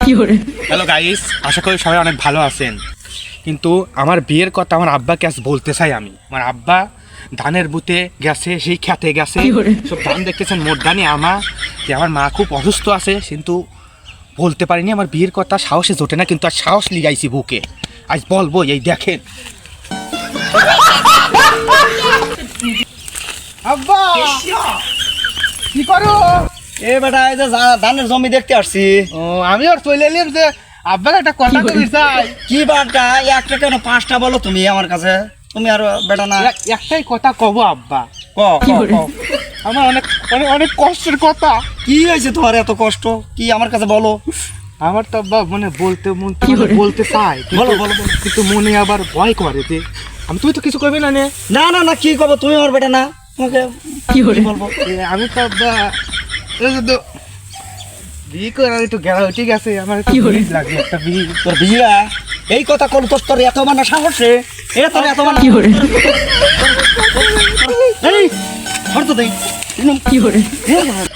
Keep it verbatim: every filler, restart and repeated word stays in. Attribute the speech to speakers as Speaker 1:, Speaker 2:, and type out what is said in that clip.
Speaker 1: Hello guys, আশা করি সবাই অনেক ভালো আছেন। কিন্তু আমার বিয়ের কথা আমার আব্বাকে আজ বলতে চাই আমি। আমার আব্বা ধানের বুতে গেছে, সেই খেতে গেছে, সব ধান দেখতেছেন মোট ধানে আমা। যে আমার মা খুব অসুস্থ আছে, কিন্তু বলতে পারিনি আমার বিয়ের কথা, সাহসে জোটে না, কিন্তু আর সাহস লিগাইছি বুকে, আজ বলবো। এই দেখেন আব্বা কি করো?
Speaker 2: এ বেটা এই যে ধানের জমি দেখতে আসছি।
Speaker 1: ও আমি আর চলে এলাম যে আব্বাকে একটা কথা কবি চাই।
Speaker 2: কি বাটা একটা কেন পাঁচটা বলো তুমি আমার কাছে, তুমি আর বেটা না
Speaker 1: এক- একটাই কথা কব আব্বা।
Speaker 2: ক ক, ক।
Speaker 1: আমার অনেক অনেক অনেক কষ্টের কথা।
Speaker 2: কি হয়েছে তোমার এত কষ্ট, কি আমার কাছে বলো।
Speaker 1: আমার তো আব্বা মানে বলতে মন তো মানে বলতে চাই, কিন্তু-
Speaker 2: বলো, বলো, বলো।
Speaker 1: কিন্তু মনে আবার ভয় করে যে আমি, তুই তো কিছু করবি না নে।
Speaker 2: না না না কি করবো, তুমি আমার বেটা না, তোমাকে কি বলবো।
Speaker 1: এ, আমি তো আব্বা এই যে তো বিয়ে করে একটু গেলা উঠে গেছে, আমার একটু বীজ লাগবে একটা বীজ।
Speaker 2: তোর বিয়া এই কথা কোন তোর তোর এত মানে সাহসে, এ তোর এত মানে এই হরতো দেই
Speaker 3: কি করে